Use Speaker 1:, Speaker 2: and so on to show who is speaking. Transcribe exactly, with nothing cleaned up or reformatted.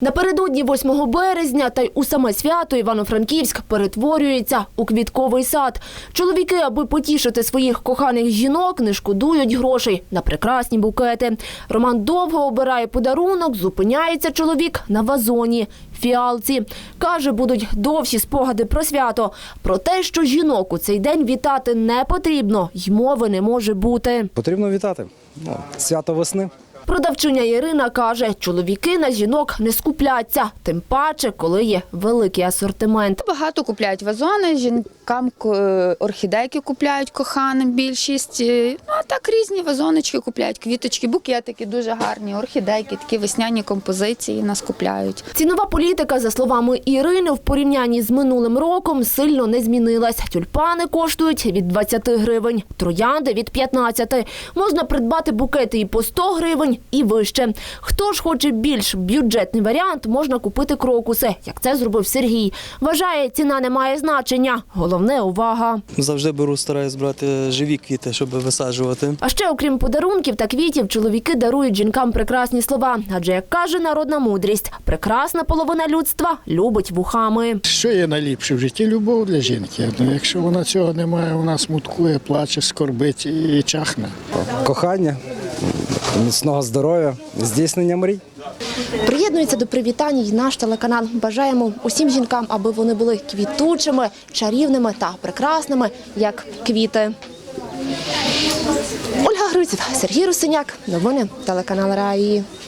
Speaker 1: Напередодні восьмого березня та й у саме свято Івано-Франківськ перетворюється у квітковий сад. Чоловіки, аби потішити своїх коханих жінок, не шкодують грошей на прекрасні букети. Роман довго обирає подарунок, зупиняється чоловік на вазоні – фіалці. Каже, будуть довші спогади про свято. Про те, що жінок у цей день вітати не потрібно, й мови не може бути.
Speaker 2: Потрібно вітати. Ну, свято весни.
Speaker 1: Продавчиня Ірина каже, чоловіки на жінок не скупляться, тим паче, коли є великий асортимент.
Speaker 3: Багато купляють вазони, жінкам е, орхідейки купляють коханим більшість. Ну, а так різні вазоночки купляють, квіточки, букетики дуже гарні, орхідейки, такі весняні композиції нас купляють.
Speaker 1: Цінова політика, за словами Ірини, в порівнянні з минулим роком сильно не змінилась. Тюльпани коштують від двадцяти гривень, троянди – від п'ятнадцяти. Можна придбати букети і по сто гривень, і вище. Хто ж хоче більш бюджетний варіант, можна купити крокуси, як це зробив Сергій. Вважає, ціна не має значення. Головне – увага.
Speaker 4: Завжди беру, стараюсь брати живі квіти, щоб висаджувати.
Speaker 1: А ще, окрім подарунків та квітів, чоловіки дарують жінкам прекрасні слова. Адже, як каже народна мудрість, прекрасна половина людства любить вухами.
Speaker 5: Що є найліпше в житті? Любов для жінки. Ну, якщо вона цього не має, вона смуткує, плаче, скорбить і чахне.
Speaker 2: Кохання, міцного здоров'я, здійснення мрій.
Speaker 1: Приєднується до привітань і наш телеканал. Бажаємо усім жінкам, аби вони були квітучими, чарівними та прекрасними, як квіти. Ольга Гриців, Сергій Русиняк. Новини телеканал Раї.